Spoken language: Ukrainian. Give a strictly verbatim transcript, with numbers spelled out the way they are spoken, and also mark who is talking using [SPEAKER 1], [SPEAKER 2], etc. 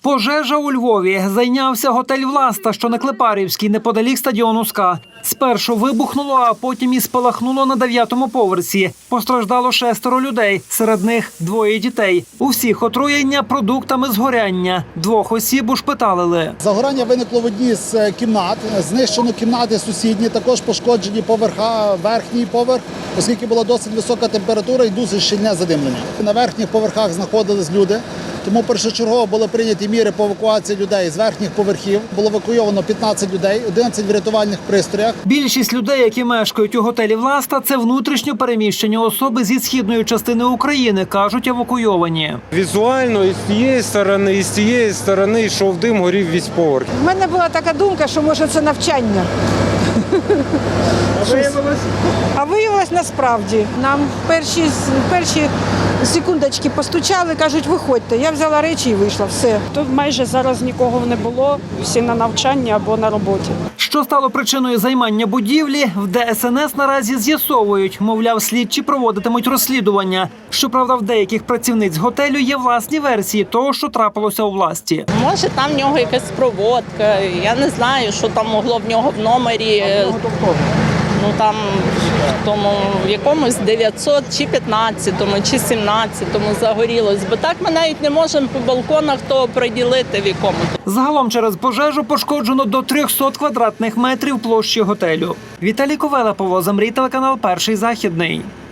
[SPEAKER 1] Пожежа у Львові. Зайнявся готель «Власта», що на Клепарівській, неподалік стадіону «СКА». Спершу вибухнуло, а потім і спалахнуло на дев'ятому поверсі. Постраждало шестеро людей, серед них двоє дітей. У всіх отруєння продуктами згоряння. Двох осіб ушпиталили.
[SPEAKER 2] Загорання виникло в одній з кімнат. Знищено кімнати сусідні, також пошкоджені поверха, верхній поверх, оскільки була досить висока температура і дуже щільне задимлення. На верхніх поверхах знаходились люди. Тому першочергово були прийняті міри по евакуації людей з верхніх поверхів. Було евакуйовано п'ятнадцять людей, одинадцять в рятувальних пристроях.
[SPEAKER 1] Більшість людей, які мешкають у готелі «Власта», це внутрішньо переміщені особи зі східної частини України, кажуть евакуйовані.
[SPEAKER 3] Візуально і з тієї сторони, і з тієї сторони йшов дим, горів весь поверх.
[SPEAKER 4] У мене була така думка, що може це навчання.
[SPEAKER 3] А виявилось?
[SPEAKER 4] А виявилось насправді. Нам перші, перші секундочки постучали, кажуть, виходьте. Я взяла речі і вийшла, все.
[SPEAKER 5] Тут майже зараз нікого не було, всі на навчанні або на роботі.
[SPEAKER 1] Що стало причиною займання будівлі, в Де Ес Ен Ес наразі з'ясовують. Мовляв, слідчі проводитимуть розслідування. Щоправда, в деяких працівниць готелю є власні версії того, що трапилося у «Власті».
[SPEAKER 6] Може, там в нього якась проводка, я не знаю, що там могло в нього в номері. Ну там в тому в якомусь дев'ятсот чи п'ятнадцятому, чи сімнадцятому загорілось. Бо так ми навіть не можемо по балконах того приділити, в якому.
[SPEAKER 1] Загалом через пожежу пошкоджено до трьохсот квадратних метрів площі готелю. Віталій Ковела, Павло Замрій, телеканал «Перший західний».